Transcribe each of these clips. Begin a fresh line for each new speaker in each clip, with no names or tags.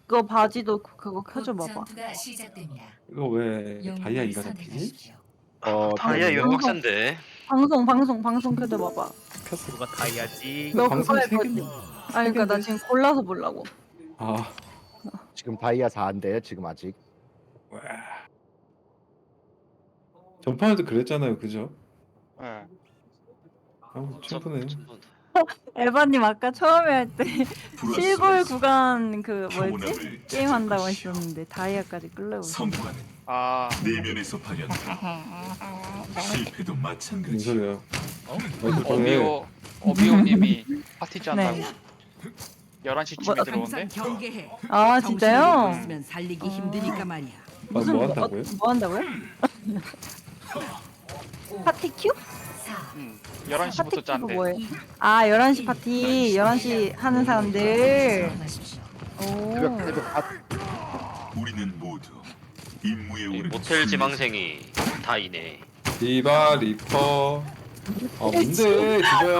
그거 바지도 그거 켜줘 봐봐.
전투가 시작됩니다.
이거 왜 다이아
영웅을
2가 잡히지?
선택하십시오.
다이아 이거
방송.
빡센데.
방송 켜줘 봐봐.
켰어.
누가 다이아지?
너
방송
그거 할
세
거지?
개나.
아니 그러니까 나 지금 골라서 보려고.
아,
지금 다이아 4인데 지금 아직
와. 전판에도 그랬잖아요, 그죠?
예.
충분해.
에바님 아까 처음에 할 때 실골 구간 그 뭐였지? 게임 한다고 하셨는데 다이아까지 끌려오고.
성과는
아,
내면에서 발현된다. 실패도
무슨
마찬가지.
소리야?
어비오님이 파티 짠다고.
네.
11시쯤에 들어온대.
항상 경계해.
아 진짜요?
있으면 살리기 힘드니까 말이야.
무슨
뭐 한다고요?
뭐 한다고요? 파티 큐?
4,
응.
파티
11시부터
큐가
짠대.
뭐예요? 아 11시 파티 11시 하는 사람들.
선택하십시오.
오.
우리는 모두 임무에
이
오르기
모텔 지망생이 다이네.
디바 리퍼. 아 뭔데 디바야?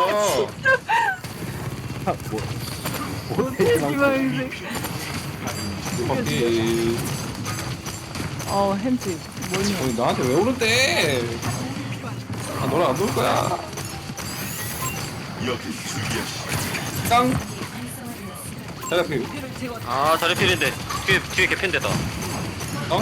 지방생.
바퀴.
햄찌 뭐냐?
아니 나한테 왜 오는데? 아 너랑 안 놀 거야.
여기 주의하시.
깡. 자 그.
아, 다리 필인데. 뒤에 개핀데다.
깡.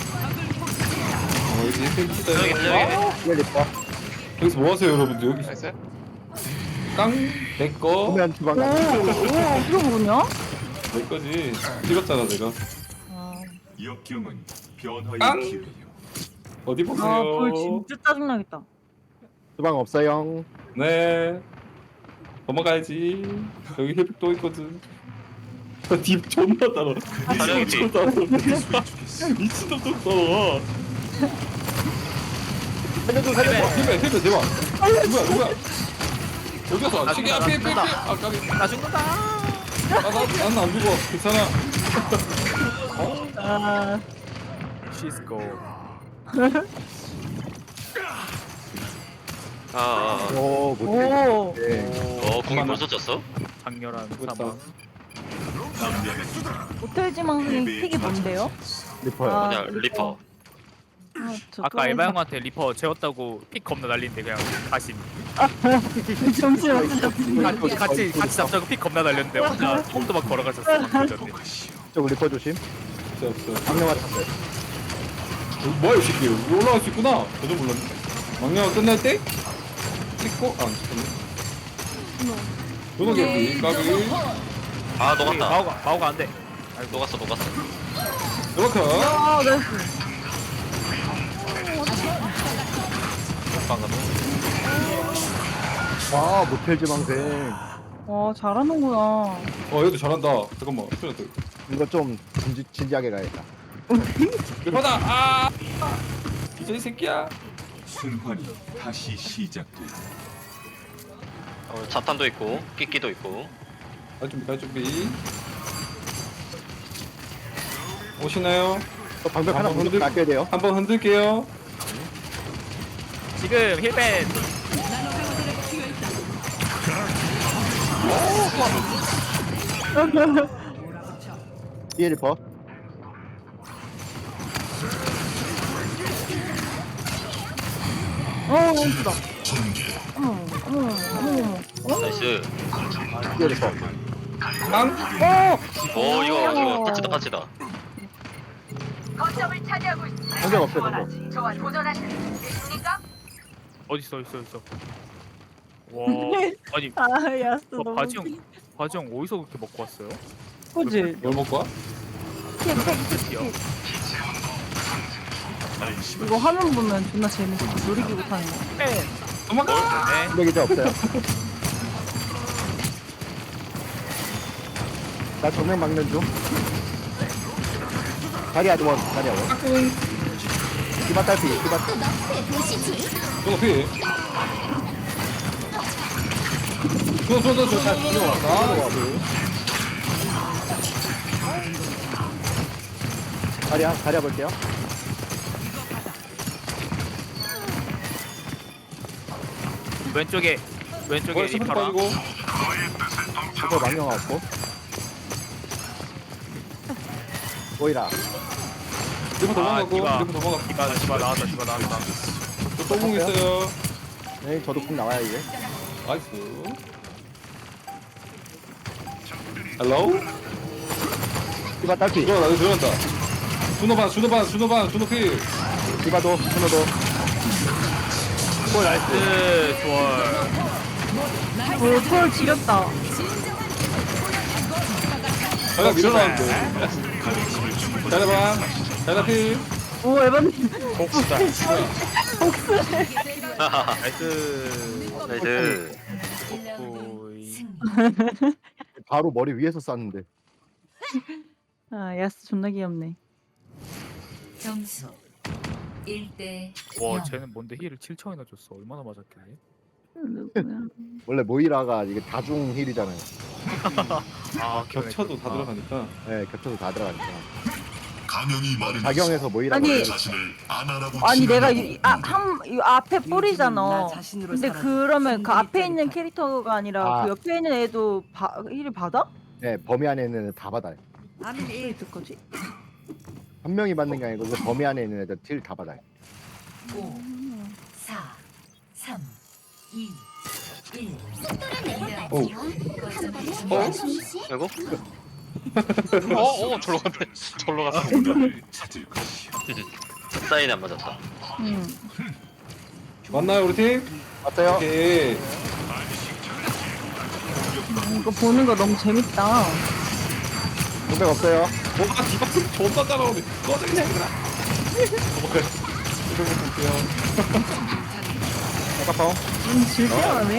이제
저기
팽치다.
저기.
리퍼
여기서 뭐 하세요 여러분들 여기서?
나이스.
깡. 내 거.
보면 주방
오, 그거 뭐냐?
내 거지. 찍었잖아 내가.
역경은 변화의
깡!
기회요.
어디 보세요?
불 진짜 짜증나겠다.
주방 없어요.
네. 넘어가야지. 여기 힐팩 또 있거든. 딥 존나 따라.
다리
미친놈 따라.
해소해주겠어.
미친놈 또 따라.
살려줘 살려줘.
힐팩 대박. 누구야? 여기서 시계 앞에 힐팩. 아 까비.
나 죽는다.
나는 안 죽어. 괜찮아.
아,
시스코.
오 못해.
오.
네.
공이 벌써 졌어?
강렬한
죽었다.
사망.
호텔 지망생 픽이 뭔데요?
리퍼요.
아,
뭐냐, 리퍼.
아까 에바 형한테 리퍼 재웠다고 픽 겁나 날리는데 그냥 가심.
잠시만.
같이 잡자고 픽 겁나 날렸는데 혼자 홈도 막 걸어가셨어. 방금 전에.
쪽 리퍼 조심.
없어.
방금 맞췄어요.
뭐야 이 새끼. 여기 올라갈 수 있구나. 저도 몰랐네. 막내가 끝날 때 찍고 안 찍혔네. 요거 개피. 까비.
아, 녹았다.
마오가 안 돼.
녹았어.
이렇게.
아, 나이스.
방금.
와 모텔 지망생.
잘하는구나.
얘도 잘한다. 잠깐만. 스트레스.
이거 좀 진지하게 가야겠다.
리퍼다. 아. 이제 이 새끼야.
순환이 다시 시작돼.
자탄도 있고, 끼끼도 있고.
갈 준비. 오시나요?
또 방벽 하나
한번
먼저 낚여야 돼요.
한번 흔들게요.
지금 힐벤.
뒤에 리퍼.
예쁘다. 어머.
나이스.
뒤에 리퍼.
깡.
오, 이거 파치다.
거점을 차지하고 있습니다.
방벽 없어요 방벽.
저와 도전하실 수 있습니까?
어딨어. 와. 아니
아, 야스 너무.
바지 형 어디서 그렇게 먹고 왔어요?
그지?
뭘 먹고 와?
야
이거 화면 보면 존나 재밌어. 놀이기구 타는 거.
도망가.
네.
방벽 이제 없어요. 나 정면 막는 중. 다리야 원. 디바 딸피. 디바.
저거 피.
다리야 볼게요.
왼쪽에
스프
리퍼랑
빠지고.
저거 망령 없고. 오이라.
리퍼 도망가고
디바.
리퍼 도망가.
디바 나왔다 디바 나왔다.
또공 있어요.
네, 저도 국 나와요 이제.
나이스. 헬로?
디바 딸피.
들어가 나도 들어간다. 준호 필.
디바도 스노도.
오 나이스 좋아.
톨 지렸다.
자가 밀어놨는데. 잘해봐. 잘해 필.
오 에반님.
복수다. 나이스.
나이스.
오이.
바로 머리 위에서 쐈는데.
아 야스 존나 귀엽네.
점수 1대
와 쟤는 뭔데 힐을 7천이나 줬어. 얼마나 맞았길래?
누구야?
원래 모이라가 이게 다중 힐이잖아요.
아
겹쳐도 다 들어가니까.
네, 겹쳐서 다 들어가니까.
감염이 많은
작용해서 모이라가.
아니,
자신을 아나라고
아니 내가
칭하는
이 앞에
나
뿌리잖아.
자신으로
근데
살아도
그러면 그 앞에 있는
충분히
캐릭터가 아니라
아.
그 옆에 있는 애도 힐을 받아?
네, 범위 안에 있는 애들 다 받아요.
아멘
왜 있을 거지?
한 명이 받는 게 아니고 그 범위 안에 있는 애들 딜 다 받아요.
5 4 3 2 1
오.
아이고. 절로 갔네. 절로 갔어.
보답을 찾을 것이요.
사인 안 맞았다.
맞나요 우리 팀?
맞아요?
오케이.
이거 보는 거 너무 재밌다.
공백 없어요.
뭐가 디박스 존나 따라오네. 꺼져 그냥 얘들아. 도망가요. 이런 거 볼게요.
아까워.
질투하네.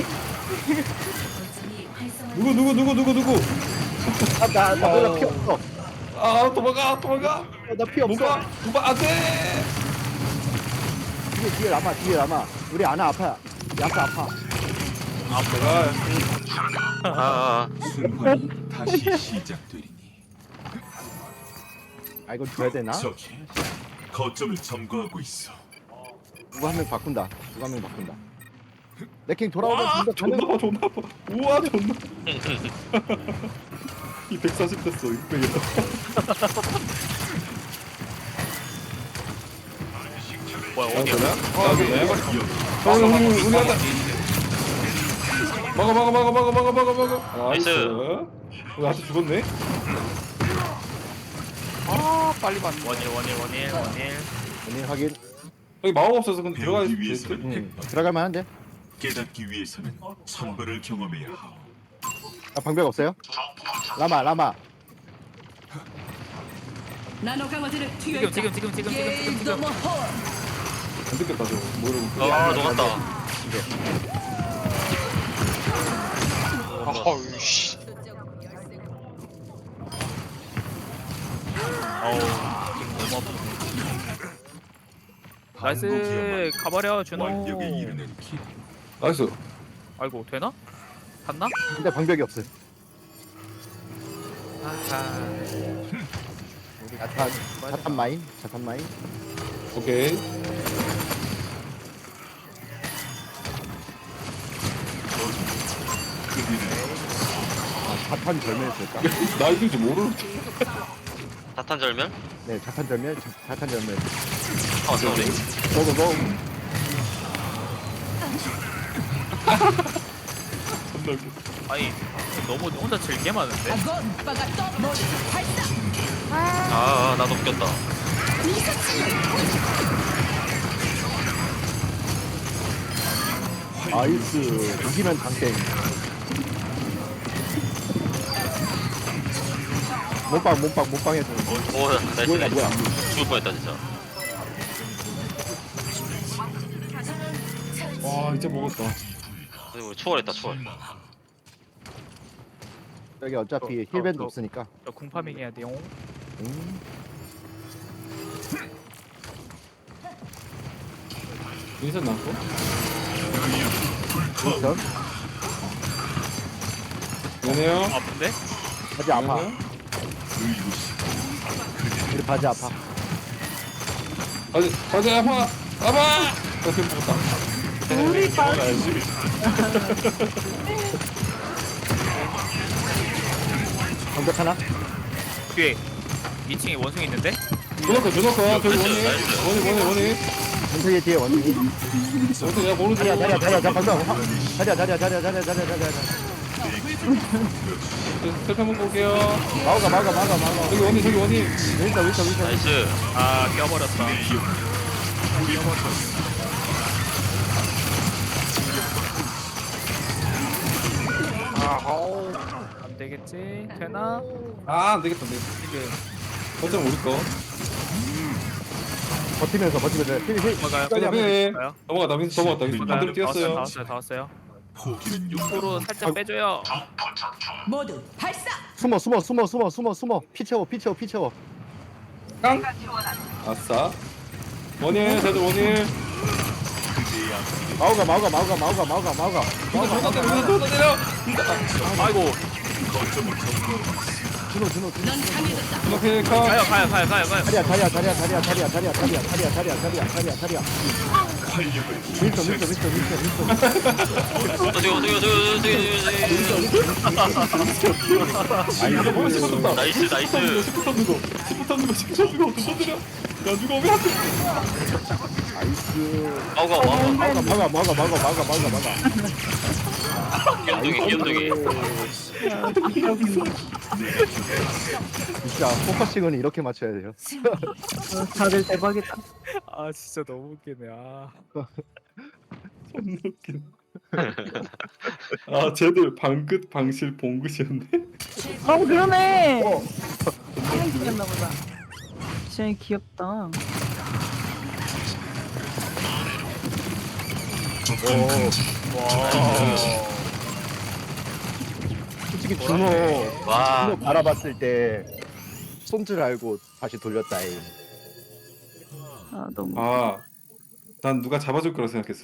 누구?
나 몰라 피 없어.
아 도망가.
나 피 없어.
도망 안돼.
뒤에 남아. 우리 아나 아파. 야스 아파.
아.
순환이 다시 시작되리니
아 이거 줘야 되나?
저기 거점을 점거하고 있어.
누가 한 명 바꾼다. 레킹 돌아오면 진짜 가능.
존나 아파. 우와 존나. 이 140 됐어. 600이다.
뭐야 어디야?
우리 하자. 먹어.
나이스.
나한테 죽었네.
원일.
오늘 확인.
여기 마법 없어서 근데 들어갈 수
배우기
있을 듯?
위해서는
들어갈 만한데?
깨닫기 위해서는 천벌을 경험해야 하오.
아 방벽 없어요? 라마.
나노 강화제를 투여
지금.
안 듣겠다 저거. 모르고.
아 녹았다.
나이스 가버려 준호.
완벽에 이르는 길.
나이스.
아이고 되나? 갔나?
근데 방벽이 없어요. 자탄 마인.
오케이.
자탄 절멸했을까?
나이스인지 모르는데.
사탄 절멸?
네, 자탄 절멸.
아 소리.
고고고.
존나 웃겨.
아니 너무 혼자 즐게 많은데?
나도 웃겼다.
나이스. 이기면 당땡. 몸빵 해줘.
오 나이스.
뭐야.
죽을 뻔했다 진짜.
와 이제 먹었다.
우리 초월했다 초월.
여기 어차피 힐밴드 없으니까.
저 궁파밍 해야 돼요.
인선 나왔고.
윈선.
미안해요.
아픈데?
바지 아파. 우리 바지 아파.
가자 아파. 어떻게 먹었다.
우리 반
알지?
방벽 하나.
뒤에 2층에 원숭이 있는데?
조노커 저기 원이
나이스.
원이
원숭이 뒤에 원숭이.
원이 내가 모르는
자리야 자 방금. 자리야.
셀프 한번 볼게요.
막아.
저기 원이
윈터.
나이스.
아 껴버렸다. 안 되겠지? 되나?
안 되겠다 지금 어쩜 우리 거
버티면서. 힐.
넘어가요.
빨리
넘어가요.
넘어갔다 반대로 뛰었어요.
다 왔어요.
포기는
으로
용기.
살짝 빼줘요.
모두 발사.
숨어. 피 채워.
깡 아싸 원일 쟤들 원일
마우가.
또 때려
아이고.
준호.
넌 강해졌다.
이렇게 카
가요.
자리야. 윈터.
저기. 나이스.
시프트 누구 또 때려 야 누가 오면 안돼
나이스.
아우가.
막아.
귀염둥이.
진짜 포커싱은 이렇게 맞춰야 돼요.
다들 대박이다.
아 진짜 너무 웃기네. 아.
존나 웃긴 쟤들 방긋 방실 봉긋이었네
그러네. 짱 귀엽나 보다. 진짜 귀엽다.
솔직히 준호
와.
바라봤을 때 손줄 알고 다시 돌렸다잉.
너무.
난 누가 잡아줄 거라 생각했어